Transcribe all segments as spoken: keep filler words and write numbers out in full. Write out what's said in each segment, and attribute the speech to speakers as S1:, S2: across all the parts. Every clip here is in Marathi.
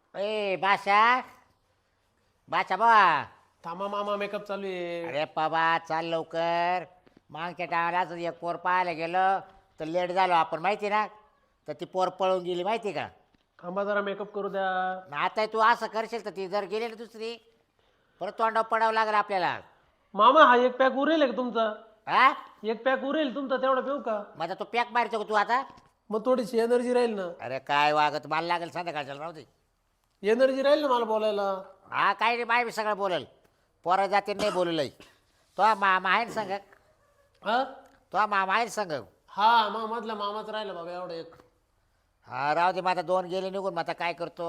S1: ए बाशा बाचा बा
S2: थांबा मामा मेकअप चालू आहे.
S1: अरे बाबा चाल लवकर. मागच्या टाळालाच एक पोर पाहायला गेलं तर लेट झालो आपण माहिती ना, तर ती पोर पळून गेली माहिती का.
S2: थांबा जरा मेकअप करू द्या.
S1: आता तू असं करशील तर ती जर गेली ना दुसरी परत तोंडावर पडावं लागेल आपल्याला.
S2: मामा हा एक पॅक उरेल का तुमचा?
S1: हा
S2: एक पॅक उरेल तुमचा तेवढा पिऊ का?
S1: माझा तो पॅक मारतो का तू आता?
S2: मग थोडीशी एनर्जी राहील ना.
S1: अरे काय वागत मला लागेल संध्याकाळच्या राहू दे.
S2: एनर्जी राहील ना मला बोलायला.
S1: हा काय रे बाय मी सगळं बोलेल. पोरा जाते नाही बोललंय. तो मामा आहे ना संग.
S2: हा
S1: तो मामा आहे ना संग.
S2: हा मग मधला मामाच राहिला बाबा एवढा एक.
S1: हा राहू दे. मग आता दोन गेले निघून. मग आता काय करतो.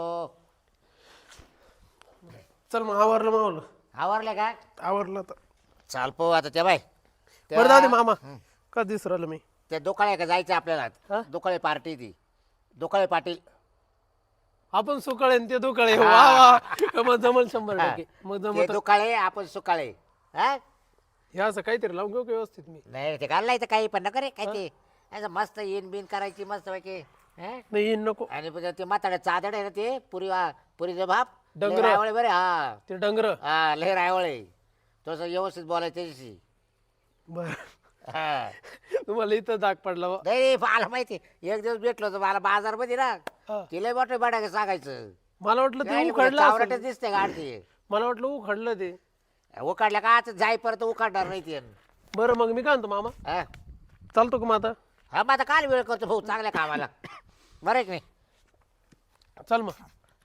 S2: चल मग आवरलं मावलं.
S1: आवरले का?
S2: आवरलं तर
S1: चाल पाहू आता ते बाय.
S2: बरं जाऊ दे मामा. का दिसू राहिलं मी?
S1: ते दुकाळे का जायचं
S2: हा?
S1: आपल्याला. दुकाळे पार्टी ती दुकाळे पाटील.
S2: आपण सुकाळे आणि ते दुकाळे. वा वा मग जमल शंभर टक्के. मग
S1: ते
S2: जमत
S1: दुकाळे आपण सुकाळे. हा
S2: हे असं काहीतरी लावून घेऊ का व्यवस्थित मी?
S1: नाही ते घाललाय तर काही पण नका रे. काय ते असं मस्त इन बिन करायची मस्त पैकी. हा?
S2: नाही येईन नको.
S1: आणि पुन्हा ते म्हाताड्या चादड आहे ना ते पुरी पुरीचे भाप
S2: डंगर.
S1: रायवळे बरे. हा
S2: ते डंगर.
S1: हा लय रायवळे. तसं व्यवस्थित बोलायचं त्याच्याशी.
S2: बर
S1: हा
S2: तुम्हाला इथं दाग पडला बा.
S1: नाही मला माहिती. एक दिवस भेटलो होतो मला बाजारमध्ये ना.
S2: हा.
S1: तिला मोठे बडा सांगायचं.
S2: मला वाटलं ते
S1: काय
S2: उखडलं
S1: चावराटच
S2: असेल.
S1: दिसते गाडती.
S2: मला वाटलं उखडलं ते.
S1: उकाडल्या का आता जाई परत उकाडणार नाही ते.
S2: बरं मग मी काय म्हणतो मामा,
S1: हा
S2: चालतो का मग आता?
S1: हा मग आता काल वेळ करतो भाऊ चांगल्या कामाला. बरं आहे की नाही?
S2: चल मग.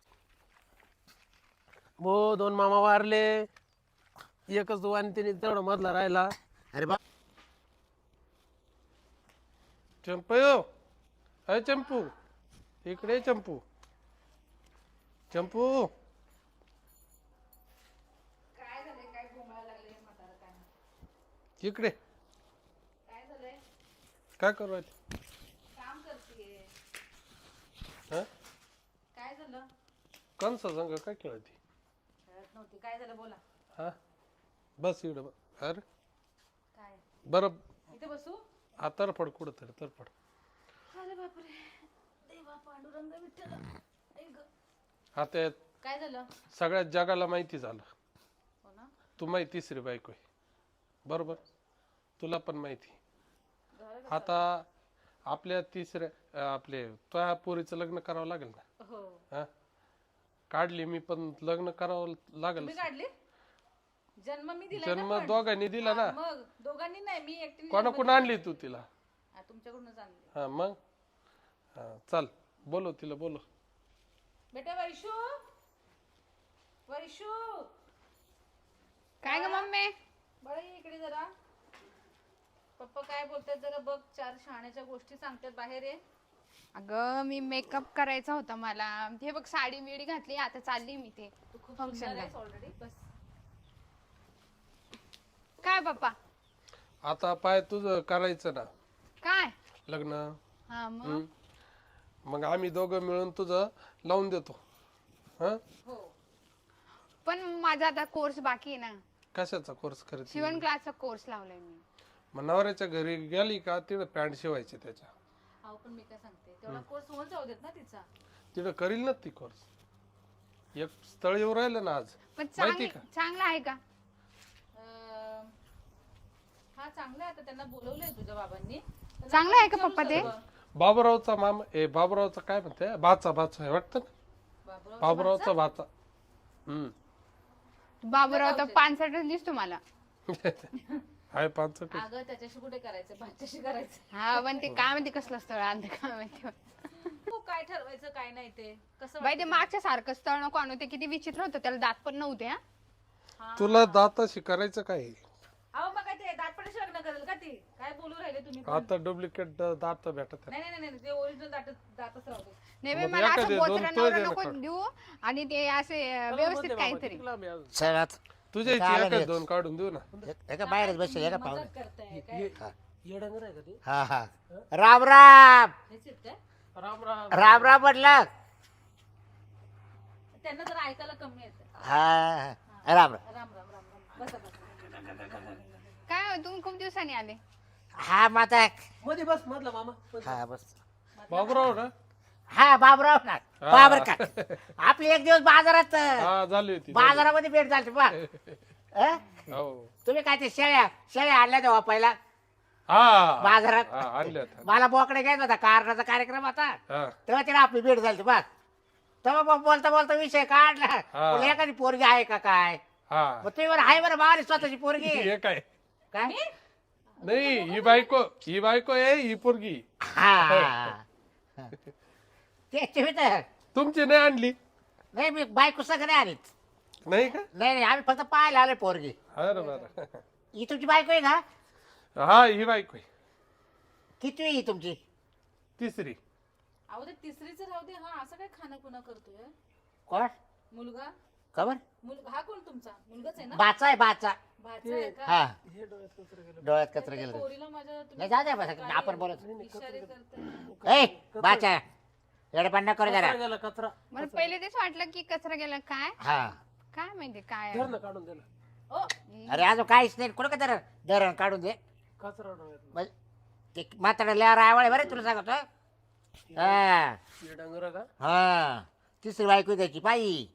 S2: हो दोन मामा वारले. एकच तो आणि तिने तेवढा मधला राहिला.
S1: अरे बा
S2: चंपू अय चंपू इकडे ये चंपू. चंपू इकडे काय करू राहिली?
S3: काम करतीये.
S2: हा
S3: काय झालं?
S2: कंस संग काय खेळती?
S3: कळत नव्हती. काय झालं बोला.
S2: हा बस इकडे बस. अरे
S3: काय
S2: बरं
S3: इथे बसू?
S2: हा तरफड कुठं तरी तरफड.
S3: अरे बापरे. देवा पांडुरंग विठ्ठल. आई ग.
S2: आता
S3: काय झालं?
S2: सगळ्या जगाला माहिती झालं
S3: हो ना.
S2: तू माहिती तिसरी बायको आहे. बरोबर तुला पण माहिती.
S3: झालं का?
S2: आता आपल्या तिसऱ्या अं, आपले त्या पोरीचं लग्न करावं लागेल ना.
S3: हो.
S2: हा काढली मी पण लग्न करावं लागेल.
S3: तुम्ही काढली? जन्म मी दिला
S2: जन्म दोघांनी दिला ना.
S3: मग दोघांनी नाही मी एकटीने.
S2: कोणाकडून आणली तू तिला?
S3: हा, तुमच्याकडूनच आणली.
S2: हा मग हा चल बोलो तिला बोलो.
S3: बेटा वैशू वैशू
S4: काय ग मम्मी?
S3: बरं ये इकडे जरा. पप्पा काय बोलतात जरा बघ. चार शहाण्याच्या गोष्टी सांगतात बाहेर ये.
S4: अगं मी मेकअप करायचा होता मला. हे बघ साडी मिडी घातली आता चालली मी ते
S3: तू खूप
S4: फंक्शनला.
S3: सुंदर आहेस ऑलरेडी. बस.
S4: काय पप्पा?
S2: आता पाय तुझं करायचं ना
S4: काय?
S2: लग्न.
S4: हा मग
S2: हम्म. मग आम्ही दोघं मिळून तुझं लावून देतो. हा
S3: हो.
S4: पण माझा आता कोर्स बाकी आहे ना.
S2: कशाचा कोर्स करते?
S4: शिवण क्लासचा कोर्स लावलाय मी.
S2: मग नवऱ्याच्या घरी गेली का तिथं पॅन्ट शिवायची त्याच्या.
S3: अहो पण मी काय सांगते तेवढा कोर्स होऊन जाऊ देत ना तिचा.
S2: तिथं करील ना ती कोर्स. एक स्थळ येऊ राहिलं ना आज
S4: पण
S2: माहिती
S4: चांगली
S2: का?
S4: चांगला आहे का?
S3: अं, हा चांगला आहे. आता त्यांना बोलवलंय तुझ्या बाबांनी. त्यांना
S4: चांगलं आहे का
S3: विचारू
S4: पप्पा ते?
S3: सर्व.
S2: बाबूरावचा मामा ए बाबूरावचा काय म्हणते भाचा भाचा आहे वाटतं ना.
S3: बाबूराव
S2: बाबूरावचा भाचा. हम्म
S4: बाबूराव तर पानसटच दिसतो मला.
S2: हाय पाच.
S3: अगं त्याच्याशी कुठे करायचं भाच्याशी करायचं.
S4: हा पण ते काय माहिती कसलं स्थळ आणलं काय माहिती.
S3: तू काय ठरवायचं काय नाही ते कसं
S4: बाई ते मागच्या सारखं स्थळ नको आणू. ते किती विचित्र होतं. त्याला दात पण नव्हते. हा
S3: वाटतं?
S2: तुला दाताशी करायचं काय?
S3: अहो मग काय ते दातपणाशी लग्न करेल का ती? काय बोलू राहिले तुम्ही पण?
S2: आता डुप्लिकेट दात भेटत
S3: नाही नाही नाही ते ओरिजिनल दात दातच राहू दे.
S4: नाही बाई,
S2: मग
S4: मला
S2: एखादे
S4: असं
S2: दोन
S4: बोचरा
S2: तोय
S4: नवरा
S2: दे ना
S4: नको
S2: काढून.
S4: देऊ. आणि ते असे व्यवस्थित काहीतरी.
S1: चलात
S2: तुझ्या इथे
S1: चालेल,
S2: एखादे
S1: एक.
S2: दोन काढून देऊ ना.
S1: एका बाहेरच बसेल एका
S3: मजाक
S1: पाहुणे.
S3: करताय काय?
S2: येडंगर आहे का ते?
S1: हा हा राम राम
S3: हेच आहेत काय?
S2: राम राम.
S1: राम राम म्हटलं.
S3: त्यांना जर ऐकायला कमी येतं.
S1: हा हा. राम राम.
S3: राम राम राम राम. बसा बसा.
S4: काय हो, तुम्ही खूप दिवसांनी आले.
S1: हा माता.
S2: मध्ये बस मधला मामा.
S1: हा बस.
S2: बाबूराव ना
S1: हा बाबराव ना
S2: हा.
S1: बाबर का आपली एक दिवस बाजारात
S2: हा झाली होती
S1: बाजारामध्ये भेट झाली बा अं?
S2: हो
S1: तुम्ही काय ते शेळ्या शेळ्या आणल्या तेव्हा पहिला
S2: हा
S1: बाजारात
S2: हा, आणल्या होत्या.
S1: मला बोकडे घ्यायचा होता कारणाचा कार्यक्रम होता
S2: हा
S1: तेव्हा तिला आपली भेट झाली बघ तेव्हा मग बोलता बोलता विषय काढला
S2: हा.
S1: बोलले, एखादी पोरगी आहे का काय
S2: हा
S1: मग तुम्ही बरं आहे बरं बाबा स्वतःची पोरगी
S2: हे काय
S1: काय
S2: नाही ही बायको ही बायको आहे ही पोरगी
S1: हा ते तुम्ही तर
S2: तुमची नाही आणली
S1: नाही मी बायको सगळं नाही आणीत
S2: नाही का
S1: नाही नाही आम्ही फक्त पाहायला आलोय पोरगी
S2: अरे बरं
S1: ही तुमची बायको आहे का
S2: हा ही बायको आहे.
S1: किती ही तुमची
S2: तिसरी
S3: अहो ते तिसरीच राहू दे. हा असं काय खाणं खुणं करतोय
S1: कोण
S3: मुलगा
S1: खबर
S3: मुल हा कोण तुमचा मुलगाच आहे ना
S1: बाचा आहे बाचा
S3: भाचा आहे का
S1: हा
S2: हे डोळ्यात कचरा गेला.
S1: डोळ्यात कचरा
S3: त्या
S1: गेलं
S3: पोरीला माझ्या तुम्ही
S1: नाही जाऊ द्या बस
S3: काय
S1: आपण बोलत
S3: इशारे करताय
S1: ए बाचा एवढे पण करू जरा
S2: कचरा गेला कचरा
S4: मला पहिले तेच वाटलं की कचरा गेला काय
S1: हा
S4: काय माहिती काय
S2: धर ना काढून दिला
S3: ओ
S1: अरे अजून काहीच नाही कुठं का धरण धरण काढून दे
S2: कचरा डोळ्यात
S1: मग ते म्हातारा लिहार आवळे बरं तुला सांगतो हा
S2: हे डांगरा का
S1: हा तिसरी बायको द्यायची पायी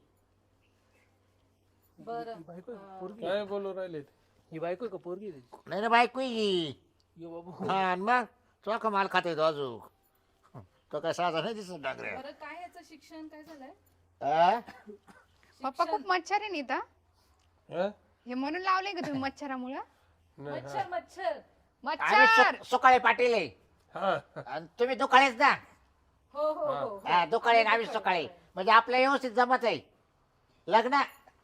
S3: बरं
S2: बायको आहे का? पोरगी काय बोलू राहिले ते? ही बायको आहे का पोरगी आहे त्याची?
S1: नाही ना बायको ही
S2: ये बाबू
S1: हा आणि मग चोख माल खाता येतो अजून तो काय साधा नाही दिसत डांगऱ्या
S3: बरं काय याचं शिक्षण काय झालंय
S1: हा?
S4: पप्पा खूप मच्छर आहे नी तर
S2: हा?
S4: हे म्हणून लावले का तुम्ही मच्छरामुळं
S2: नाही, हा.
S3: मच्छर मच्छर
S1: आम्ही
S4: मच्छर
S1: सु- सुकाळे पाटील आहे
S2: हा
S1: आणि तुम्ही दुकाळेच ना
S3: हो हो हो
S1: हा दुकाळे आणि आम्ही सुकाळे म्हणजे आपल्या व्यवस्थित जमत आहे लग्न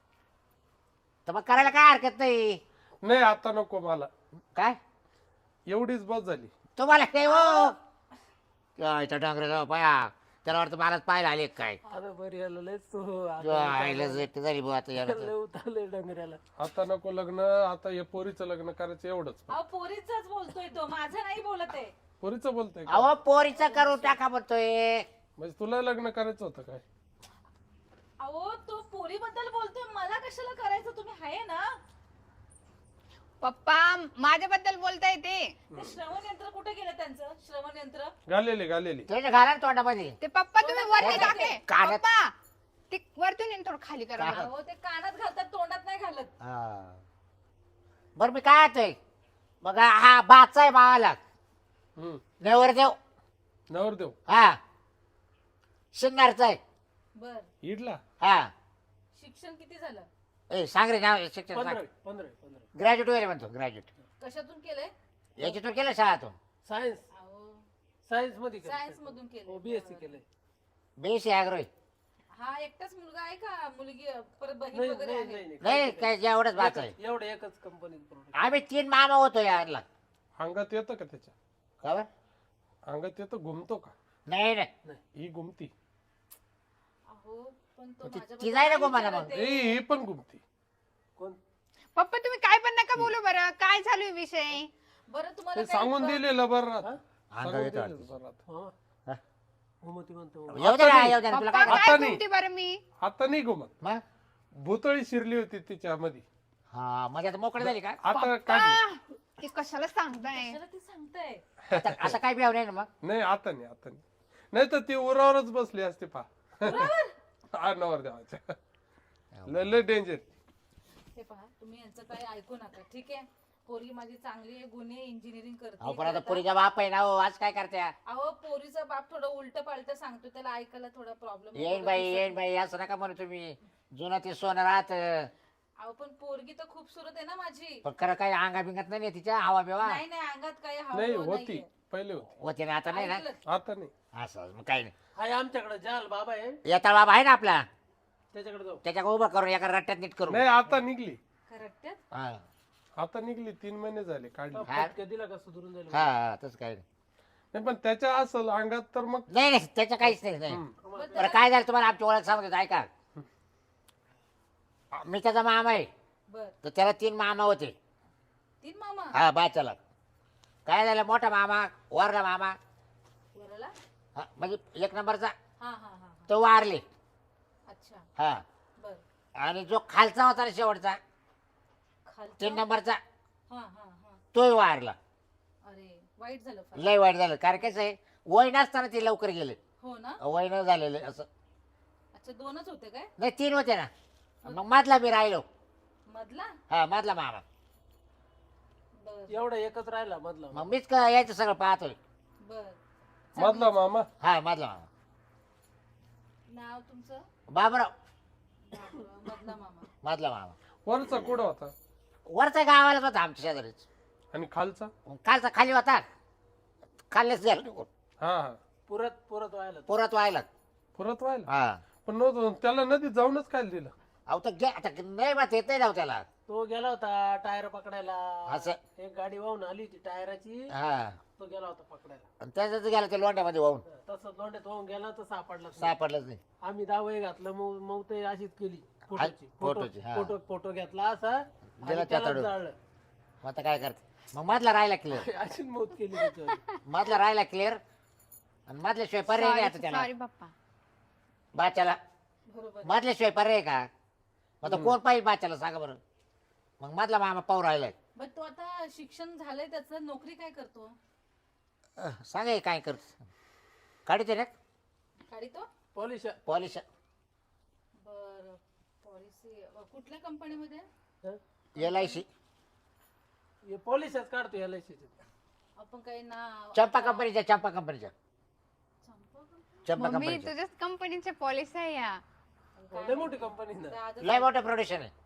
S1: तर मग करायला काय हरकत नाही
S2: नाही आता नको मला
S1: काय
S2: एवढीच बस झाली
S1: तुम्हाला नाही हो काय त्या डांगऱ्या पाया त्याला वाटतं मलाच पाहायला आले काय
S2: आता बरी आलं लयच तू
S1: जो आईला जेट झाली बुवा आता याला तर.
S2: उतारले डांगऱ्याला आता नको लग्न आता हे पोरीचं लग्न करायचं एवढंच
S3: अहो पोरीचाच बोलतोय तो माझं नाही बोलत आहे
S2: पोरीचं बोलतोय का
S1: अहो पोरीचं करून टाका म्हणतोय
S2: म्हणजे तुला लग्न करायचं होतं काय
S3: अहो तो पोरीबद्दल बोलतोय मला कशाला करायचं तुम्ही आहे ना
S4: पप्पा माझ्याबद्दल बोलताय ते
S3: ते श्रवण यंत्र कुठे गेलं त्यांचं श्रवण यंत्र
S2: घालेली घालेली
S1: त्याच्या घाला ना तोंडामध्ये
S4: ते पप्पा तुम्ही वरती
S3: कानात-
S4: टाके
S1: कानात-
S4: पप्पा ते वरतून येऊन थोडं खाली करा मला.
S3: अहो ते कानात घालतात तोंडात नाही घालत
S1: हा. बरं मी काय येतोय मग हा बाचा आहे मावाला
S2: हम्म
S1: नेवरदेव
S2: नवरदेव
S1: हा शिंगारचा आहे
S3: बर
S2: इडला
S1: हा
S3: शिक्षण किती झालं
S1: ए सांग रे नाव शिक्षण
S2: पंधरा
S1: सांग
S2: पंधरा पंधरा
S1: ग्रॅज्युएट वगैरे म्हणतो ग्रॅज्युएट
S3: कशातून केलंय
S1: याच्यातून केलं शाळातून
S2: सायन्स
S3: अहो
S2: सायन्स मध्ये
S3: सायन्स मधून केलंय
S2: बीएससी केलंय
S1: बेसी आग्रोही
S3: हा एकटाच मुलगा आहे का मुलगी परत बहीण
S2: नाही
S3: वगैरे
S2: नाही
S3: आहे
S2: नाही
S1: नाही काय जेवढंच बाचा आहे
S2: एकच- एवढं एकच कंपनीत प्रोडक्ट
S1: आम्ही तीन मामा होतो यारला
S2: अंगात येतं का त्याच्या
S1: खबर
S2: अंगात येतं घुमतो का
S1: नाही नाही
S2: नाही ही घुमती
S3: अहो पण तो
S1: ती-
S3: माझ्याबद्दल
S1: ती जाय ना
S3: काय
S1: गोमाला
S3: विचारत
S1: मग.
S3: आहे?
S2: ए, ही पण घुमती कोण
S4: पप्पा तुम्ही काय पण नका बोलू बरं काय चालू आहे विषय
S3: बरं तुम्हाला
S2: ते
S3: काही
S2: सांगून
S3: ब-
S2: दिलेलं बरं राहत.
S1: अंगात
S2: सांगून
S1: येतं
S2: दिलेलं बरं राहत.
S1: हा.
S2: घुमती म्हणतो
S1: येऊ दे ना येऊ दे ना तुला
S4: पप्पा
S1: काय
S2: आता
S4: काय
S2: नाही.
S4: बोलते बरं मी
S2: आता नाही घुमत
S1: मग
S2: भुतळी शिरली होती तिच्यामध्ये
S1: हा म्हणजे आता मोकळी झाली का
S2: आता काढली
S4: आ, ते कशाला सांगताय
S3: कशाला ते सांगताय
S1: आता असं काय बिहाव नाही ना मग
S2: नाही आता नाही आता नाही नाही तर ती उरावरच बसली असते पा हा नवर देवाच्या लय लय डेंजर
S3: हे पहा तुम्ही यांचं काही ऐकू नका ठीक आहे पोरगी माझी चांगली आहे गुन्हे इंजिनिअरिंग
S1: अहो पण
S3: करते
S1: आता पुरीचा बाप आहे ना हो आज काय करते
S3: अहो पोरीचा बाप थोडं उलट पालट सांगतो त्याला ऐकायला थोडा प्रॉब्लेम
S1: येईन बाई येईन बाई असं नका म्हणू तुम्ही जुनं ते सोनं राहत
S3: अहो पण पोरगी तर खूप सुरत आहे ना माझी
S1: पण खरं काही अंगा बिंगात नाही तिच्या हवा बिवा
S3: नाही नाही अंगात काही हवा
S2: नाही
S3: बिवा
S2: होती
S3: नाहीये.
S2: पहिले होती
S1: होते ना आता नाही ना
S3: ऐकलं?
S2: आता नाही
S1: असं मग काही नाही
S2: आहे आमच्याकडे जाल बाबा आहे
S1: येता बाबा आहे ना आपला
S2: त्याच्याकडे जाऊ
S1: त्याच्या उभं करून एका रट्ट्यात नीट करू
S2: नाही आता निघली
S3: खरं
S1: हा
S2: आता निघली तीन महिने झाले काढली
S1: हा.
S2: दिला का सुधरून जाईल
S1: हा तसं काही नाही
S2: नाही पण त्याच्या असल अंगात तर मग
S1: नाही नाही त्याचं काहीच नाही नाही
S2: हम्म.
S1: बरं काय झालं तुम्हाला आमची ओळख सांगतो ऐका मी त्याचा मामा आहे
S3: बर
S1: तर त्याला तीन मामा होते
S3: तीन मामा
S1: हा बाच्याला काय झालं मोठा मामा वरला मामा
S3: वराला
S1: हा, म्हणजे एक नंबरचा
S3: हा हा हा हा.
S1: तो वारले
S3: अच्छा
S1: हा
S3: बर
S1: आणि जो खालचा होता ना शेवटचा
S3: खालचा
S1: तीन नंबरचा
S3: हा हा हा
S1: तोही वारला
S3: अरे वाईट झालं फार.
S1: लय वाईट झालं कारण कसं आहे वय नसताना ते लवकर गेले
S3: हो ना
S1: वय न झालेले असं.
S3: अच्छा दोनच होते काय
S1: नाही तीन होते ना. मग मधला मी राहिलो.
S3: मधला
S1: हा मधला मामा.
S3: बर
S5: एवढा एकच राहिला मधला.
S1: मग मीच का यायचं सगळं पाहतोय.
S3: बर
S2: मधला मामा.
S1: हा मधला मामा.
S3: नाव तुमचं
S1: बाबराव.
S3: बाबराव, मधला मामा.
S1: मधला मामा.
S2: वरचा कुठं होता
S1: वरचा गावालाच होता आमच्या शेजारीच.
S2: आणि खालचा.
S1: कालचा खाली होता. खाल्लेच गेला निघून.
S2: हा हा
S5: पुरत पुरत व्हायला.
S1: परत व्हायला.
S2: परत व्हायला.
S1: हा
S2: पण नव्हतं त्याला नदीत जाऊनच काय दिलं.
S1: अहो तर गे आता नाही बा येत नाही राव त्याला.
S5: तो गेला होता टायर पकडायला.
S1: असं.
S5: एक गाडी वाहून आली होती टायराची.
S1: हा
S5: तो गेला होता पकडायला.
S1: आणि त्याच्यात गेला त्या लोंड्यामध्ये वाहून.
S5: तसं लोंड्यात वाहून गेला तर सापडला नाही.
S1: सापडलंच नाही.
S5: आम्ही दावे घातलं मग मग ते अशीच केली फोटोची
S1: फोटोची, हा.
S5: फोटो फोटो घेतला असा
S1: गेला
S5: आणि
S1: त्या
S5: त्यालाच
S1: तडून.
S5: जाळलं.
S1: मग आता काय करते. मग मधला राहिला क्लिअर.
S5: अशीच मौत केली त्याच्यावर.
S1: मधला राहिला क्लिअर. आणि मधल्याशिवाय पर्याय नाही आता त्याला.
S4: सॉरी पप्पा.
S1: बाच्याला
S3: बरोबर
S1: मधल्याशिवाय पर्याय का. मग आता कोण पाहिजे बाच्याला सांगा बरं. मग मधला मामा पाहू राहिलाय.
S3: बर तो आता शिक्षण झालंय त्याचं नोकरी काय करतो
S1: अह, सांगा हे काय करत. काढते ना
S3: गाडी तो
S5: पॉलिश
S1: पॉलिश.
S3: बर पॉलिसी कुठल्या कंपनीमध्ये
S1: एल आय सी.
S5: हे पॉलिशच काढतो एल आय सीचे.
S3: आपण काही नाव
S1: चंपा कंपनीच्या चंपा कंपनीच्या
S3: चंपा company?
S1: चंपा
S4: मम्मी
S1: कंपनीच्या
S4: तुझ्याच कंपनीचे पॉलिसी आहे या.
S5: लय मोठी कंपनी ना.
S3: दादा-
S1: लय मोठं प्रोडक्शन आहे.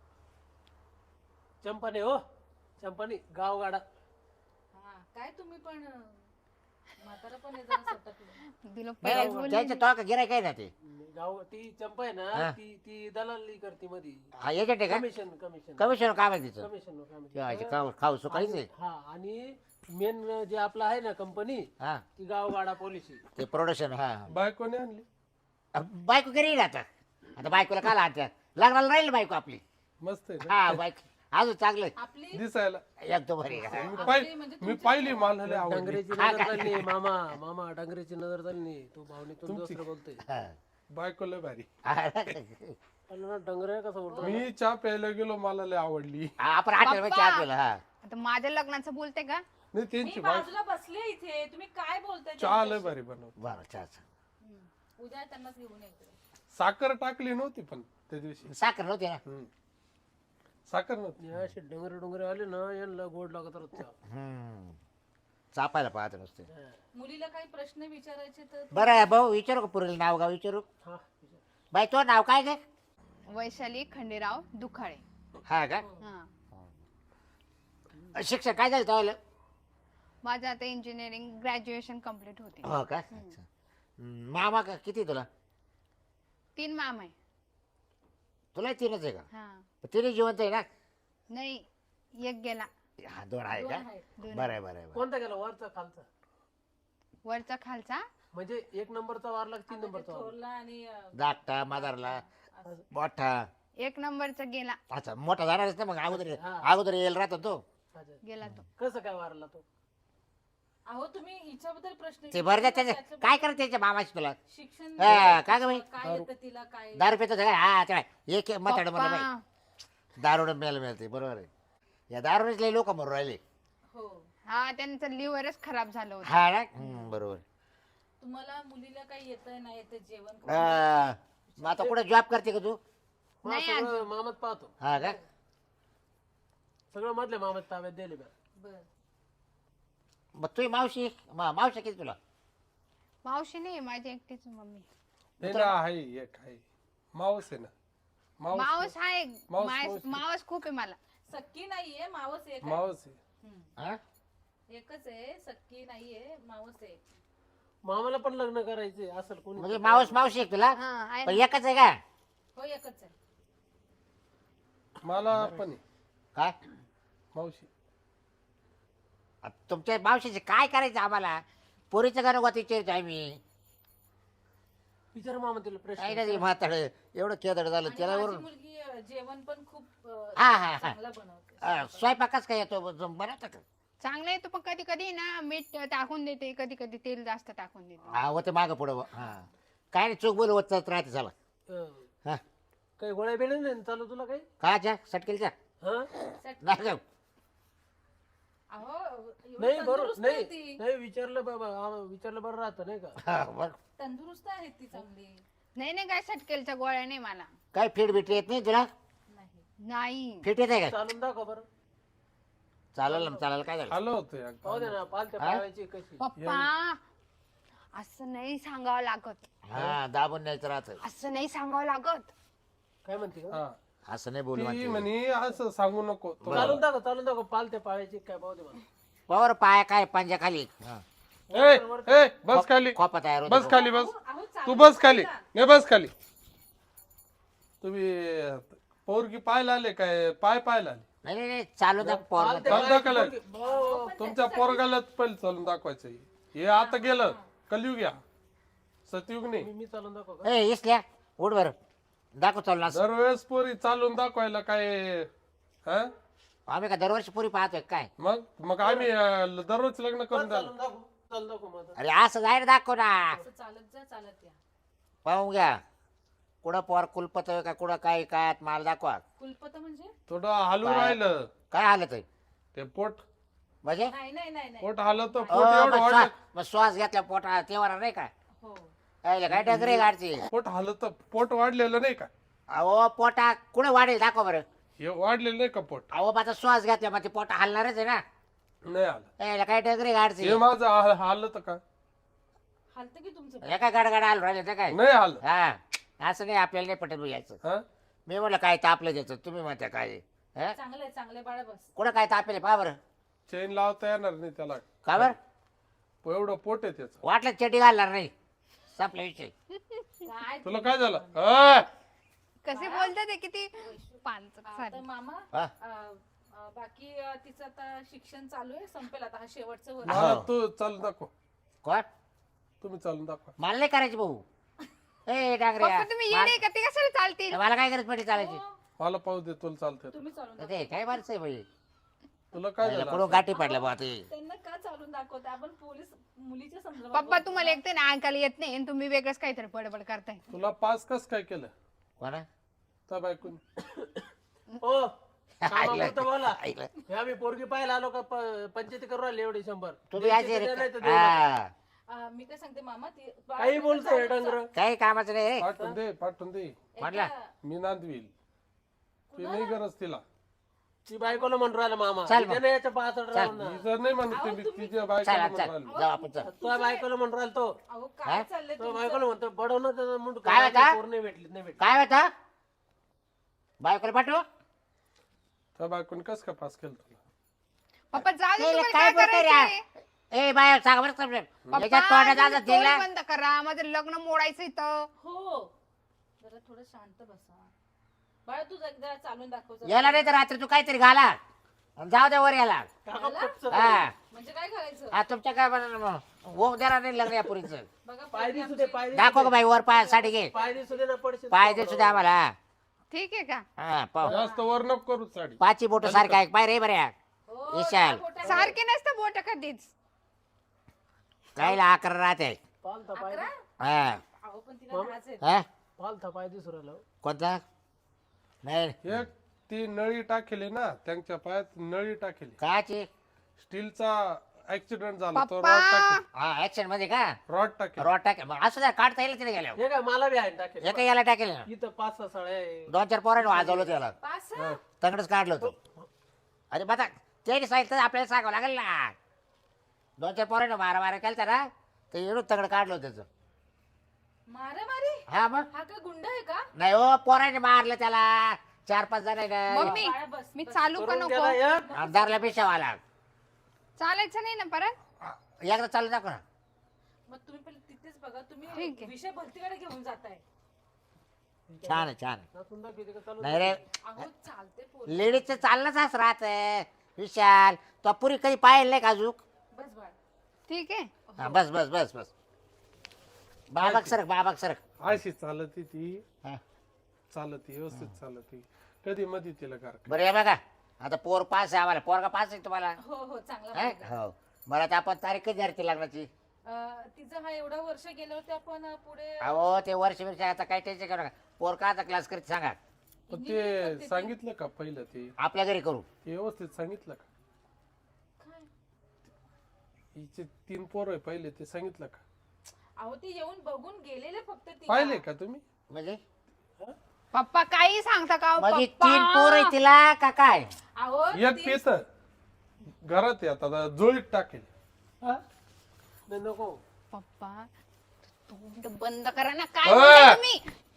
S5: चंपाने हो चंपाने गावगाडा.
S3: हा काय तुम्ही पण अं, म्हातारा पण आहे जरा सटकलं.
S4: तुला
S1: नाही,
S4: पहिलेच
S1: नाही,
S4: बोलली
S1: त्याचं तो का गिराय काय ना ते.
S5: गाव ती चंपा आहे
S1: हा.
S5: ना ती ती दलाली करते मध्ये.
S1: हा एजंट आहे का.
S5: कमिशन कमिशन
S1: कमिशन काम आहे तिचं.
S5: कमिशन
S1: ठेवायचे खाऊ खाऊ सुकाळीच आहे.
S5: हा आणि मेन जे आपलं आहे ना कंपनी
S1: हा
S5: ती गावगाडा पॉलिसी.
S1: ते प्रोडक्शन. हा
S2: बायकोने आणली.
S1: अ, बायको घरी येईल आता. आता बायकोला काल आणत्या. लग्नाला राहील बायको आपली.
S2: मस्त आहे ना?
S1: हा बायको अजून चांगलं आहे.
S3: आपली
S2: दिसायला.
S1: एकदम बरी आहे.
S2: मी
S3: आपली
S2: पाहि-
S3: म्हणजे
S2: मी
S3: तुमची-
S2: पाहिली मला लय आवडली.
S5: डांगरेची
S1: हा
S5: नजर
S1: का?
S5: चालली मामा मामा डांगरेची नजर चालली. तू भावनेतून दुसरं बोलतोय.
S1: हा.
S2: बायको लय भारी.
S5: ना डंगरे कसं बोलतो.
S2: मी चहा प्यायला गेलो मला लय आवडली.
S1: आपण हॉटेल मध्ये चहा पिला. हा
S4: आता माझ्या लग्नाचं बोलते का.
S2: नाही
S3: मी
S2: त्यांची बायको
S3: बाजूला बसले इथे तुम्ही काय बोलताय
S2: चहा लय
S3: त्यांच्याशी?
S2: भारी बनवत.
S1: बरं चहाचं.
S3: हम्म. उद्या त्यांनाच घेऊन यायचं
S2: साखर टाकली नव्हती पण त्या दिवशी.
S1: साखर नव्हती ना.
S2: हम्म. साखर नव्हती.
S5: हे असे डंगरे डोंगरे आले ना यांना गोड लागत रोजच्या.
S1: हम्म. चापायला पाहत नसते.
S3: मुलीला काही प्रश्न विचारायचे तर
S1: बरं भाऊ विचारू का पुरेल नाव गाव विचारू.
S5: हा
S1: बाई तो नाव काय ग.
S4: वैशाली खंडेराव दुखाळे.
S1: हा का.
S4: हा
S1: शिक्षण काय झालं तो.
S4: माझं आता इंजिनिअरिंग ग्रॅज्युएशन कम्प्लीट होते.
S1: हो का. अच्छा. हम्म, मामा का किती तुला.
S4: तीन माम आहे.
S1: तुला तीनच आहे का.
S4: हा
S1: तिने जिवंत आहे ना.
S4: नाही एक गेला.
S1: हा दोन आहे
S3: दोन
S1: का.
S3: आहेत.
S4: दोन
S1: बरं आहे बरं आहे बरं.
S5: कोणता गेला वरचा खालचा.
S4: वरचा खालचा.
S5: म्हणजे एक नंबरचा वारला की तीन
S3: आता ते
S5: नंबरचा वारला.
S3: थोरला आणि अं,
S1: धाकटा मदारला मोठा.
S4: एक नंबरचा गेला.
S1: अच्छा मोठा जाणारच ना मग अगोदर
S5: हा.
S1: अगोदर येईल राहतो तो.
S5: अच्छा.
S4: गेला तो.
S5: कसं काय वारला तो.
S3: अहो तुम्ही हिच्याबद्दल प्रश्न
S1: ते बरं द्या
S3: विचारला,
S1: त्याचं
S3: त्याचं
S1: काय करत त्याच्या मामाची तुला.
S3: शिक्षण
S1: हा, का गं बाई?
S3: काय येतं तिला काय
S1: दारू पितो काय. हा काय एक मताड मला
S4: पप्पा,
S1: बाई दारुड मिळायला मिळते बरोबर आहे. या दारूनेच लई लोक मरून राहिले.
S3: हो
S4: हा त्यांचं लिव्हरच खराब झालं होतं.
S1: हा ना. हम्म, बरोबर.
S3: तुम्हाला मुलीला काही येतंय नाही येतं जेवण
S1: हा, मग आता कुठे जॉब करते का तू.
S5: मग
S4: नाही
S5: सगळं मामात पाहतो.
S1: हा का.
S5: सगळं मधल्या मामात ताब्यात दिले बा.
S3: बर
S1: मग तुझी मावशी मा- मावशी किती तुला.
S4: मावशी नाही माझी एकटीच मम्मी.
S2: नाही ना आहे एक आहे. मावस आहे ना. मावस
S4: मावस आहे.
S2: मावस-
S4: माय-
S2: मावस.
S4: मावस खूप आहे मला.
S3: सक्की नाहीये मावस एक आहे.
S2: मावस आहे.
S3: हम्म.
S1: हा
S3: एकच आहे सक्की नाहीये मावस आहे.
S5: मामाला पण लग्न करायचे असेल कोणी.
S1: म्हणजे मावस मावशी आहे तुला.
S4: हा आहे
S1: पण
S4: ना.
S1: एकच आहे का.
S3: हो एकच आहे.
S2: मला पण आहे.
S1: काय
S2: मावशी.
S1: आता तुमच्या मावशीचे काय करायचं आम्हाला. पोरीचं गाणं गोत विचारायचं आम्ही.
S5: विचार मामा तिला
S1: काय
S5: प्रश्न.
S1: नाही म्हाताड एवढं केदड झालं
S3: आणि
S1: त्याला
S3: माझी
S1: वरून.
S3: मुलगी अं, जेवण पण खूप अं,
S1: हा हा हा
S3: चांगलं बनवते.
S1: अं, स्वयंपाकच काय येतो बनवता का.
S4: चांगलं येतो पण कधी कधी ना मीठ टाकून देते कधी कधी तेल जास्त टाकून देते.
S1: हा होते मागं पुढं हा काय नाही चूक बोल होत राहते झाला.
S5: हं.
S1: हा
S5: काही गोळ्या बिळ्या नाही ना चालू तुला काही.
S1: काच्या सटकेलच्या
S5: हा
S1: नाही जाऊ.
S3: अहो एवढी
S5: नाही बरोबर
S3: तंदुरुस्त आहे
S5: नाही
S3: ती.
S5: नाही विचारलं बाबा आम्हाला विचारलं बरं राहतं नाही का.
S1: हा, बरं.
S3: तंदुरुस्त आहेत ती चांगली.
S4: नाही नाही काय सटकेलच्या गोळ्या नाही मला.
S1: काय फिट बिट येत नाही तुला?
S3: नाही
S4: नाही
S1: फिट येत आहे का?
S5: चालून दाखव बरं.
S1: चालेल ना चालेल काय झालं?
S2: आलं होतं एकदा.
S5: पाहू दे ना पालत्या पाळायची कशी.
S4: पप्पा असं नाही सांगावं लागत.
S1: हा दाबून न्यायचं राहतं.
S4: असं नाही सांगावं लागत.
S5: काय म्हणते का?
S2: हा.
S1: असं नाही बोलू
S2: ती
S1: म्हणते.
S2: म्हणे असं सांगू नको तो-
S5: चालून दाखव चालून दाखव पालत्या पाळायची काय पाहू दे मला.
S1: पावर पाय काय पंजा खाली. हा.
S2: ए, ए, बस खाली
S1: खोपा तयार होतो.
S2: बस खाली बस
S3: अहो
S2: तू
S3: चालू
S2: बस खाली नाही बस खाली. तुम्ही पोरगी पाहायला आले काय पाय पाहायला आले?
S1: नाही नाही नाही चालू दाख पोर
S5: पालत्या
S2: चालू
S5: पाळायची
S2: दाखवलं.
S5: पोरगी- भाऊ,
S2: तुमच्या पोरगालाच पहिले चालून दाखवायचं हे आता गेलं कलयुग या सतयुग नाही.
S5: मी मी चालून दाखव का?
S1: ए इसल्या उठ बर दाखव चालू ना असं.
S2: दरवेळेस पोरी चालून दाखवायला काय हा
S1: आम्ही का दरवर्षी पुरी पाहतोय काय?
S2: मग मग आम्ही अं, दररोज लग्न करून द्याल.
S5: चालून दाखव चालून दाखव माझं.
S1: अरे असं जाहीर दाखव ना.
S3: असं चालत जा चालत या.
S1: पाहून घ्या कुठं पोर कुलपत का कुठं काय काय माल दाखवा.
S3: कुलपत म्हणजे
S2: थोडं हालू राहिलं
S1: काय हालत आहे
S2: ते पोट
S1: म्हणजे?
S3: नाही नाही नाही नाही.
S2: पोट हालत तर
S1: अ,
S2: पोट एवढं
S1: मग
S2: वाढलं
S1: श्वास मग श्वास घेतला पोटा तेव्हा नाही का?
S3: हो
S1: यायला काय डगरे गाडची.
S2: पोट हालत पोट वाढलेलं नाही का?
S1: अहो पोटा कुठे वाढेल दाखव बरं.
S2: हे वाढलेलं नाही का पोट?
S1: अहो माझा श्वास घेतला मग ते पोटा हलणारच आहे ना.
S2: नाही आलं
S1: यायला काय डगरे गाडची.
S2: हे माझं हा- हालत का?
S3: हालत की तुमचं
S1: हे काय गडगड आलो राहिले ते काय?
S2: नाही आलं.
S1: हा असं नाही आपल्याला नाही पटत यायचं.
S2: हा
S1: मी म्हणलं काय तापलं द्यायचं तुम्ही म्हणता काय? हा?
S3: चांगलं आहे चांगलं आहे बाळा बस.
S1: कुठं काय तापेल पहा बरं.
S2: चेन लावता येणार नाही त्याला.
S1: का बरं
S2: एवढं पोट आहे त्याचं.
S1: वाटलं चटी घालणार नाही. संपला विषय.
S3: काय
S2: तुला काय झालं? अ,
S4: कसे बोलतात ते किती पांचट
S3: आता
S4: सारी.
S3: मामा
S1: हा?
S3: अ, अ, बाकी अ, तिचं आता शिक्षण चालू आहे संपेल आता हा शेवटचं वर्ष.
S2: मला
S1: हो.
S2: तू चालून दाखव.
S1: कोण?
S2: तुम्ही चालून दाखवा.
S1: मला नाही करायची भाऊ. ए डांगरे
S4: पप्पा तुम्ही येणे का ते कशाला चालतील.
S1: मला काय गरज पडली चालायची?
S3: हो,
S2: मला पाहू दे तुला चालतंय.
S3: तुम्ही चालून दाखवा.
S1: ते काय माणसं आहे भाई.
S2: तुला काय झालं?
S1: कुठं गाठी पडल्या बा ते.
S3: त्यांना का चालून दाखवते आपण पोलीस मुलीच्या संदर्भात
S4: पप्पा
S3: बोलतो.
S4: तुम्हाला एकटे ना ऐकायला येत नाही आणि तुम्ही वेगळंच काहीतरी बडबड करताय.
S2: तुला पास कस काय केलं
S1: कोणा?
S2: त्या बायकून?
S5: ओ कामापुरतं बोला.
S1: ऐकलं.
S5: हे आम्ही पोरगी पाहायला आलो का प- पंचायती करू राहिले एवढी शंभर.
S1: तुम्ही
S5: द्यायची
S1: आज
S5: तर द्या, नाही तर देऊ नका.
S1: हा
S3: अ, मी काय सांगते मामा ती
S5: काही बोलतोय डंगर.
S1: काही कामाचं नाही रे.
S2: पाठवून दे पाठवून दे.
S1: म्हटलं
S2: मी नांदवील. ती नाही गरज तिला.
S5: ती बायकोला म्हणून राहिला मामा.
S1: चल मग.
S5: त्याने याच्या पाहत राहून ना.
S2: ती जर नाही म्हणत ती तिच्या
S1: चल
S2: बायकोला
S1: चल
S2: म्हणून
S1: जाऊ आपण चल.
S5: तो बायकोला म्हणून राहिला तो.
S3: अहो काय चाललंय
S5: तो
S3: तुमचं?
S5: बायकोला म्हणतो बडवणं त्याचं मुंड
S1: काय होता?
S5: पोर नाही भेटली नाही भेटली.
S1: काय होतं? बायकोला पाठवू?
S2: त्या बायकून कस काय पास केलं तुला?
S4: पप्पा जाऊ दे
S1: ते
S4: तुम्हाला
S1: काय
S4: काय
S1: बोलतोय
S4: करायचंय.
S1: रे? ए बाय सांग बरं समजेल.
S4: पप्पा
S1: याच्यात तोंडात
S4: तुम्ही
S1: आता
S4: तोंड
S1: दिला.
S4: बंद करा माझं लग्न मोडायचं इथं.
S3: हो जरा थोडं शांत बसा बाळा तू एकदा चालून दाखव जरा.
S1: याला नाही तर रात्री तू काहीतरी घाला आणि जाऊ दे वर याला.
S5: काका पटचं
S1: हा
S3: म्हणजे काय करायचं
S1: हा तुमच्या काय बनवलं होम देणार नाही लग्न या पुरीचं.
S3: बघा
S5: पाय
S3: पोरगी
S5: दिसू दे
S3: आमची-
S5: पाय दिसू
S1: दाखव
S5: दे.
S1: का बाई वर पाय साठी घे.
S5: पाय दिसू दे ना पडशील.
S1: पाय दे सुद्धा आम्हाला.
S4: ठीक आहे का.
S1: हा पाहू.
S2: जास्त वर नको करू साडी.
S1: पाची बोट सारखा आहे पाय रे बऱ्या.
S3: हो,
S1: विशाल.
S3: त्या बोटावर-
S4: सारखे नसतं बोट कधीच.
S1: काहीला अकरा राहते.
S5: पालथा पाय
S3: अकरा?
S1: हा
S3: अहो पण तिला लाज आहे.
S1: हा
S5: पालथा पाय दिसू राहिला.
S1: कोणता? नाही
S2: एक ती नळी टाकेली ना त्यांच्या पायात नळी टाकेली.
S1: काची?
S2: स्टीलचा ऍक्सिडेंट झाला तो
S4: पप्पा
S2: रॉड टाकेल
S1: हा ऍक्शन मध्ये का?
S2: रॉड टाकेल.
S1: रॉड टाकेल मग असं द्या काढता येईल तिथे गेल्यावर.
S5: हे काय मला बी आहे टाकेल.
S1: एका याला टाकेल ना.
S5: इथं पाच सहा साड्या आहे.
S1: दोन चार पोरांनी वाजवलं त्याला.
S3: पास
S2: हा.
S1: तंगडच काढलं होतं. अरे बघा त्याने सांगितलं तर आपल्याला सांगावं लागेल ना. दोन चार पोरांनी मारा मारा केलता ना तर एवढं तंगड काढलं होतं त्याचं.
S3: मारा मारी
S1: हा मग
S3: हा काय गुंड आहे का?
S1: नाही हो पोराने मारलं त्याला चार पाच जण
S4: मम्मी
S3: बाळा, बस,
S4: मी
S3: बस.
S4: चालू का
S5: करून
S4: नको.
S5: गेला एक.
S1: आमदारला पेशावाला
S4: चालायचं नाही ना परत.
S1: एकदा चालू दाखव ना.
S3: मग तुम्ही पहिले तिथेच बघा
S4: ठीक
S3: तुम्ही
S4: आहे.
S3: विषय भरतीकडे घेऊन जाताय.
S1: छान आहे छान आहे.
S5: नाचून दाखवते का चालू?
S1: नाही रे
S3: अहो चालते पोर
S1: लेडीजचं चाललंच असं राहत विशाल तो पुरी कधी पाहिलं नाही का अजून.
S3: बस बाळ
S4: ठीक आहे.
S1: हा, बस बस बस बस बाबाक सरक बाबाक सरक.
S2: अशी चालती ती
S1: हा.
S2: चालती व्यवस्थित चालती. कधी मध्ये तिला कार
S1: बरं हे बघा आता पोर पास आहे आम्हाला पोरगा पास आहे तुम्हाला.
S3: हो हो चांगला
S1: हा?
S3: मुलगा.
S1: हो मला तर आपण तारीख कधी धरती लग्नाची.
S3: अं, तिचं हा एवढा वर्ष गेलं होते आपण अं, पुढे
S1: अहो ते वर्ष वर्ष आता काही टेन्शन करू नका. पोर का आता क्लास करत सांगा
S2: पण ते सांगितलं का पहिलं ते
S1: आपल्या घरी करू.
S2: व्यवस्थित सांगितलं का?
S3: काय?
S2: हिचे तीन पोर आहे पहिले ते सांगितलं का?
S3: अहो ते येऊन बघून गेलेले फक्त ती
S2: पाहिले का तुम्ही?
S1: म्हणजे
S4: पप्पा काही सांगता का हो,
S1: म्हणजे
S4: पप्पा?
S1: तीन पोर आहे तिला का काय?
S3: अहो
S2: एक
S3: ती-
S2: पेत घरात आहे आता जोळीत टाकेल.
S5: हा? नाही, नको.
S4: पप्पा तोंड बंद करा ना काय
S2: अ!
S4: बोलताय तुम्ही?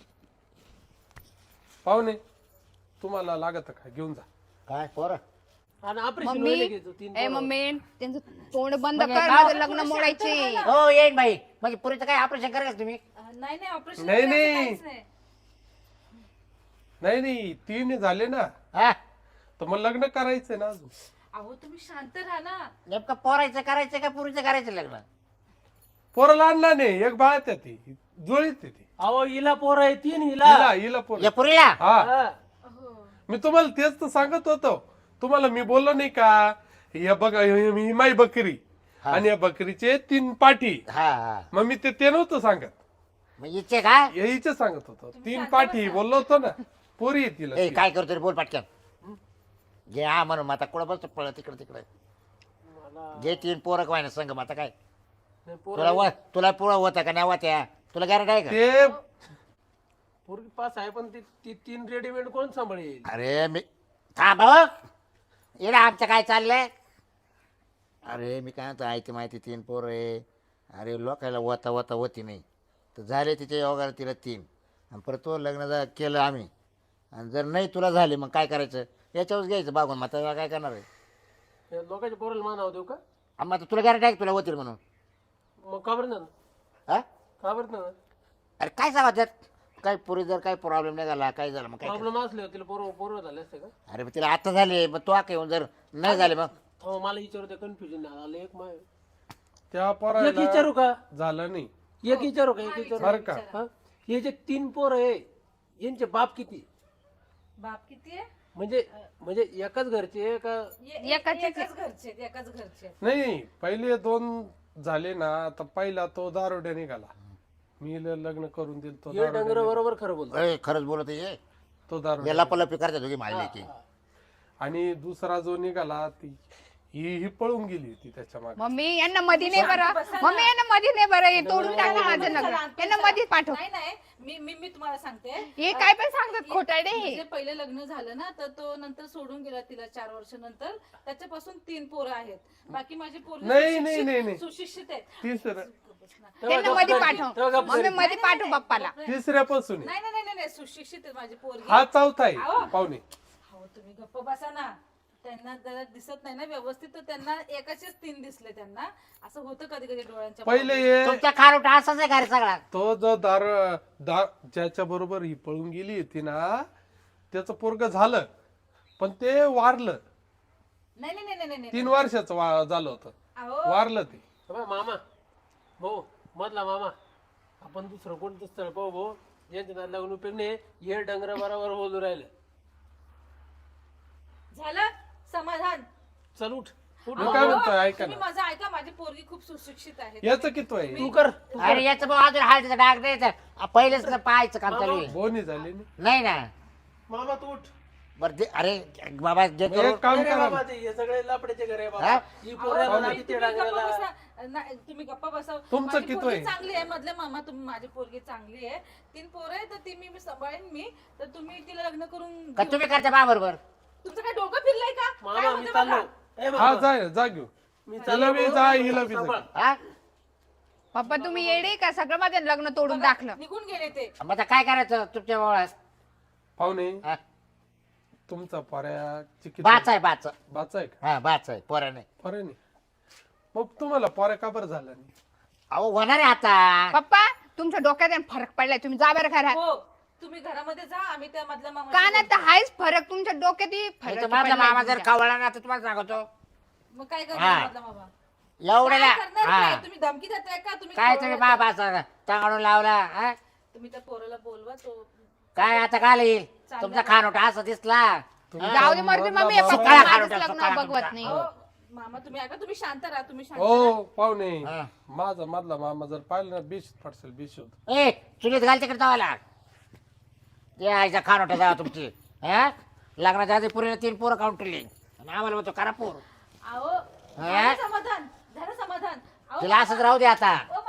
S2: पाहुणे तुम्हाला लागत का घेऊन जा.
S1: काय पोर?
S5: आणि ऑपरेशन
S4: मम्मी
S5: व्हायला घेतो तीन
S4: ए
S5: पोरं.
S4: मम्मी त्यांचं तोंड बंद
S1: म्हणजे
S4: कर
S1: गाव-
S4: माझं लग्न मोडायचे.
S1: हो येईन बाई. म्हणजे पुरीचं काय ऑपरेशन करायचं तुम्ही?
S3: अं, नाही नाही ऑपरेशन
S2: नाही, नाही.
S3: नाही
S2: नाही नाही तीन झाले ना
S1: हा
S2: तर मग लग्न करायचंय ना अजून.
S3: अहो तुम्ही शांत राहा ना.
S1: नेमकं पोरायचं करायचं का पुरीचं करायचं लग्न?
S2: पोराला आणला नाही एक बाळ त्या ती जुळीत आहे ती.
S5: अहो हिला पोर आहे तीन हिला
S2: हिला हिला पोर.
S1: या पुरीला?
S2: हा
S5: हा.
S3: हो
S2: मी तुम्हाला तेच तर सांगत होतो. तुम्हाला मी बोललो नाही का या बघा ही माई बकरी
S1: हा.
S2: आणि या बकरीचे तीन पाठी.
S1: हा हा
S2: मग मी ते ते नव्हतं सांगत
S1: मग इच्छे का?
S2: यायचे सांगत होतो. तीन
S3: शांत
S2: पाठी
S3: बसा.
S2: बोललो होतो ना पोरी आहे तिला
S1: ए
S2: ती.
S1: काय करतो रे बोल पटकन. घे हा म्हणून मग आता कुठं बसतो पळ तिकडे तिकडे.
S5: मला
S1: घे तीन पोरं काय ना संग मग आता काय
S5: नाही, पोरं
S1: तुला व तुला पुळं होतं का नाही होत्या? तुला गॅरंटी आहे का?
S2: ते
S5: पोरगी पास आहे पण ती ती तीन रेडीमेड कोण सांभाळेल?
S1: अरे मी थांब हो. येडा आमचं काय चाललंय? अरे मी काय म्हणतो ऐकते माहिती तीन पोरं आहे. अरे लोकायला वता वता होती नाही तर झाले तिच्या योगाला तिला तीन आणि परत तो लग्न जा केलं आम्ही आणि जर नाही तुला झाले मग काय करायचं? याच्यावर घ्यायचं बागून मग आता काय करणार आहे?
S5: या लोकांच्या पोराला मानाव देऊ का?
S1: मग आता तुला गॅरंटी आहे का तुला होतील म्हणून?
S5: मग का बरं ना
S1: हा
S5: का बरं ना
S1: अरे काय सांगा त्यात काही पुरी जर काही प्रॉब्लेम नाही झाला काय झालं मग काय
S5: प्रॉब्लेम असले तिला पोरं पोरं झाले असते का?
S1: अरे मग तिला आता झाले मग तो काय येऊन जर नाही झाले मग
S5: हो मला विचारू कन्फ्युजन आलं एक माय
S2: त्या
S5: एक
S2: पोराला
S5: विचारू का
S2: झालं नाही
S5: एक विचारू का एक विचारू
S2: बरं का?
S5: हा? हे जे तीन पोर आहे यांचे बाप किती
S3: बाप किती आहे?
S5: म्हणजे म्हणजे एकाच घरचे आहे का?
S3: ये-
S4: एकाच-
S3: एकाच घरचे आहेत, एकाच घरचे आहेत.
S2: नाही पहिले दोन झाले ना तर पहिला तो दारोड्या निघाला. मी ल- लग्न करून दिल तो
S5: हे
S2: दारोड्या
S5: डंगर
S2: निघाला.
S5: बरोबर खरं बोलतो
S1: अरे खरंच बोलत आहे
S2: तो दारोड्या
S1: याला पलपी करते दोघी मारले की
S2: आणि दुसरा जो निघाला ती ही ही पळून गेली होती त्याच्या मागे.
S4: मम्मी यांना मध्ये नाही बरं मम्मी यांना मध्ये नाही बरं हे तोडून टाका माझं लग्न यांना मध्येच पाठव.
S3: नाही नाही मी मी मी तुम्हाला सांगते.
S4: हे काय पण सांगतात खोटाडे हे.
S3: म्हणजे पहिले लग्न झालं ना तर तो नंतर सोडून गेला तिला चार वर्ष नंतर. त्याच्यापासून तीन पोरं आहेत. बाकी माझी पोरं
S2: नाही, नाही, नाही, नाही.
S3: सुशिक्षित आहेत.
S2: तिसरं
S4: त्यांना मध्ये पाठव मम्मी मध्ये पाठव पप्पाला.
S2: तिसऱ्यापासून आहे.
S3: नाही नाही नाही नाही सुशिक्षित आहेत माझी पोरगी.
S2: हा चौथा आहे
S3: अहो.
S2: पाहुणे.
S3: हो तुम्ही गप्प बसा ना. त्यांना जरा दिसत नाही ना व्यवस्थित तर त्यांना एकाचेच तीन दिसले त्यांना. असं होतं कधी कधी डोळ्यांच्या
S2: पहिले हे
S1: तुमच्या खारोटा असाच आहे का रे सगळा?
S2: तो जो दार दार ज्याच्या बरोबर ही पळून गेली होती ना त्याचं पोरग झालं पण ते वारलं.
S3: नाही नाही नाही नाही नाही
S2: तीन वर्षाचं वा- झालं होतं
S3: अहो
S2: वारलं ते.
S5: अबे मामा भाऊ मधला मामा आपण दुसरं कोणतं स्थळ पाहू भाऊ यांच्या नाद लागून उपयोग नाही हे डंगर बरोबर बोलू राहिलं.
S3: झालं समाधान.
S5: चल उठ उठ
S2: मी काय म्हणतोय ऐका
S3: तुम्ही
S2: ना
S3: माझं ऐका माझी पोरगी खूप सुशिक्षित आहे.
S2: याचं किती आहे
S5: तू कर तू
S1: अरे याचं भाऊ अजून हळदीचा डाग द्यायचा पहिलेच तर पाहायचं काम चालू आहे.
S2: बोनी झाली ना.
S1: नाही ना
S5: मामा तू उठ
S1: बरं दे- अरे बाबा जे
S2: मग एक काम
S5: अरे
S2: करा
S5: बाबा ते हे सगळे लपड्याचे घर आहे
S1: हा?
S5: बाबा ही पोरं
S3: अहो,
S5: ना
S3: तुम्ही
S5: किती
S3: गप्पा
S5: डांगराला
S3: बसा. नाही, तुम्ही गप्पा बसा.
S2: तुमचं
S3: माझी
S2: किती
S3: पोरगी
S2: आहे?
S3: चांगली आहे मधले मामा तुम्ही माझी पोरगी चांगली आहे. तीन पोरं आहे तर ती मी मी सांभाळेन मी. तर तुम्ही तिला लग्न करून
S1: का
S3: घेऊ.
S1: तुम्ही करता बा बरोबर?
S3: तुमचं काय डोकं फिरलंय का? काय
S5: मामा मी
S3: होतं
S5: चाललो
S3: बघा.
S5: ए
S2: हा
S5: बाबा
S2: जाय जा घेऊ
S5: मी
S2: तिला बी जा हिला बी जा.
S5: सांभाळ.
S1: हा
S4: पप्पा तुम्ही येडे का सगळं माझं लग्न तोडून टाकलं.
S3: निघून गेले ते.
S1: मग आता काय करायचं तुमच्या भावाला?
S2: पाहुणे
S1: हा?
S2: तुमचा पर्या चिकित
S1: बाच आहे बाच.
S2: बाचा आहे का
S1: हा बाच आहे पोराने.
S2: पर्या नाही मग तुम्हाला पर्या का बरं झाला नाही?
S1: अहो होणार आहे आता.
S4: पप्पा तुमच्या डोक्यात आहे फरक पडलाय तुम्ही जा बरं घरात.
S3: हो तुम्ही घरामध्ये जा आम्ही त्या मधल्या मामा
S4: कानात तर हायच फरक तुमच्या डोक्यात ही फरक
S1: नाही तर माझा
S4: पडलाय
S1: मामा जर
S4: तुमच्या.
S1: कवळला ना तर तुम्हाला सांगतो
S3: मग काय
S1: हा.
S3: करणार मधला मामा?
S1: एवढ्याला
S3: काय करणार
S1: हा
S3: काय? तुम्ही धमकी देताय का? तुम्ही
S1: काय
S3: खवळला
S1: तुम्ही
S3: का?
S1: बाबा टांगडून लावला हा?
S3: तुम्ही त्या पोराला बोलवा तो
S1: काय आता काय येईल तुमचा खानोटा असं दिसला हा?
S4: जाऊ दे मरते मम्मी
S2: सकाळी
S4: पप्पा माझंच
S1: खारुटा,
S4: लग्न
S1: सकाळी
S4: बघवत
S1: खारुटा.
S4: नाही.
S3: अहो, मामा तुम्ही ऐका तुम्ही शांत राहा तुम्ही शांत
S2: हो पाहुणे
S1: हा.
S2: माझा मधला मामा जर पाहिलं ना बीस पडसेल बीस होत.
S1: ए चुलीत घाल तिकडे जावाला ते आईचा खानोटा जावा तुमची हा लग्नाच्या आधी पुरीला तीन पोरं काउंटरली आणि आम्हाला म्हणतो करा पोर.
S3: अहो
S1: हा?
S3: झालं समाधान झालं समाधान. अहो,
S1: तिला असंच राहू दे आता
S3: ओ मामा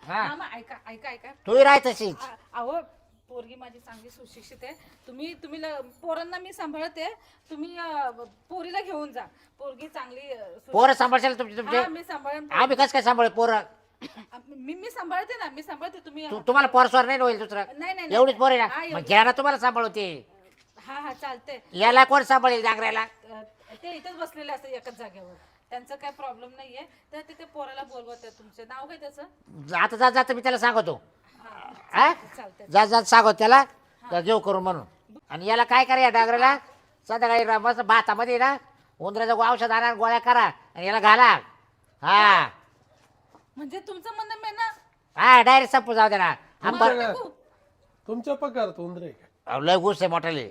S1: हा.
S3: मामा ऐका ऐका ऐका
S1: तूही राह तशीच
S3: आ- अहो पोरगी माझी चांगली सुशिक्षित आहे. तुम्ही तुम्ही ल- पोरांना मी सांभाळते. तुम्ही अं, पोरीला घेऊन जा. पोरगी चांगली अं, सुशिक्षित-
S1: पोरं सांभाळशाल तुमचे तुमचे
S3: हा, मी सांभाळेन.
S1: आम्ही कसं काय सांभाळ पोरं
S3: मी मी सांभाळते ना मी सांभाळते तुम्ही
S1: तू- तुम्हाला पोरस्वर नाही होईल दुसरं
S3: नाही नाही
S1: एवढीच पोर आहे
S3: हा,
S1: ना मग
S3: एवढी.
S1: घ्या ना तुम्हाला सांभाळवते
S3: हा हा चालते.
S1: याला कोण सांभाळेल जागरायला
S3: ते इथंच बसलेले असतात एकाच जागेवर. त्यांचा काय प्रॉब्लेम नाहीये. तर ते ते पोराला बोलवत आहे. तुमचे नाव काय त्याचं?
S1: आता जात जात मी त्याला सांगतो
S3: हा
S1: हा
S3: चालतंय.
S1: जात जात सांगतो त्याला का घेऊ करून म्हणून आणि याला काय करा या डागराला संध्याकाळी रा- मस्त भातामध्ये ना उंदराचं औषध आणा गोळ्या करा आणि याला घाला हा
S3: म्हणजे तुमचं म्हणणं मी ना
S1: हा डायरेक्ट संपू जाऊ दे ना
S2: तुमच्या
S1: आंबर
S2: काय- तुमच्या पगारात उंदरे काय
S1: अहो, लय गुस आहे मोठाले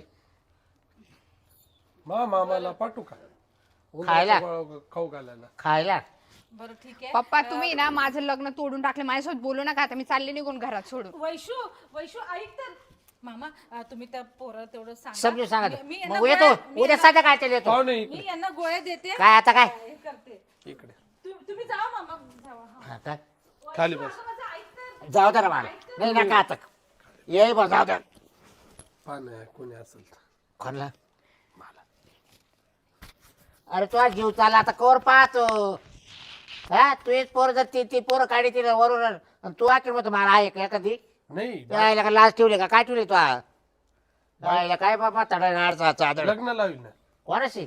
S2: मा मामाला पाठवू का
S1: खायला?
S2: उंदराचा गोळा खाऊ घालायला
S1: खायला
S3: बरं ठीक आहे.
S4: पप्पा तुम्ही ना माझं लग्न तोडून टाकलं माझ्यासोबत बोलू नका आता मी चालले निघून घरात सोडून
S3: वैशू वैशू ऐक तर मामा अं, तुम्ही त्या पोरं तेवढं सांगा.
S1: समजून सांगा
S3: मी- मी यांना
S1: मग येतो
S3: गोळ्या- मी
S1: उद्या
S3: यांना-
S1: संध्याकाळच्या येतो
S2: पाहुणे
S3: मी
S2: इकडे
S3: यांना गोळ्या देते.
S1: काय आता काय
S3: हे करते.
S2: इकडे
S3: तु- तुम्ही जावा मामा जावा. हा.
S1: हा, काय
S2: खाली
S3: वैशू,
S2: बस.
S3: अगं माझं ऐक तर.
S1: जाऊ दे ना मला नाही नका आता ये बा जाऊ दे
S2: पान कोणी असेल तर
S1: कोणला अरे तुझा जीव चालला आता कोर पाहतो हा तू एक पोर जर ती ती पोरं काढी तिला वरून आणि तू आखिर मग मला आहे का एखादी
S2: नाही
S1: यायला का लाच ठेवली का काय ठेवली तू यायला काय बाबा तडा चादर
S2: लग्न लावील ना
S1: कोणाशी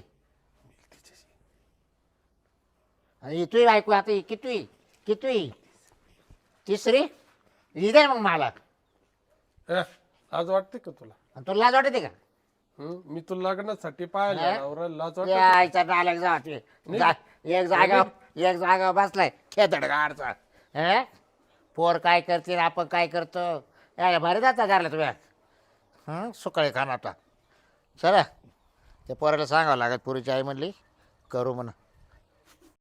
S1: आणि तू ऐकू आता ही कितवी कितवी तिसरी ही दे मग मला
S2: अ, आज वाटते का तुला
S1: आणि तुला लाज वाटते का
S2: हं? मी तुला लग्नासाठी पाहिलं
S1: हा?
S2: नवरा लाज वाटत
S1: यायचा नालक जा ते. जा एक जागा एक जागा बसलाय खेदड गाडचा हे पोर काय करते आपण काय करतो यायला भारी जाता घरला तुम्ही हं सुकाळी खाना आता चला त्या पोराला सांगावं लागत पुरीची आई म्हणली करू म्हणा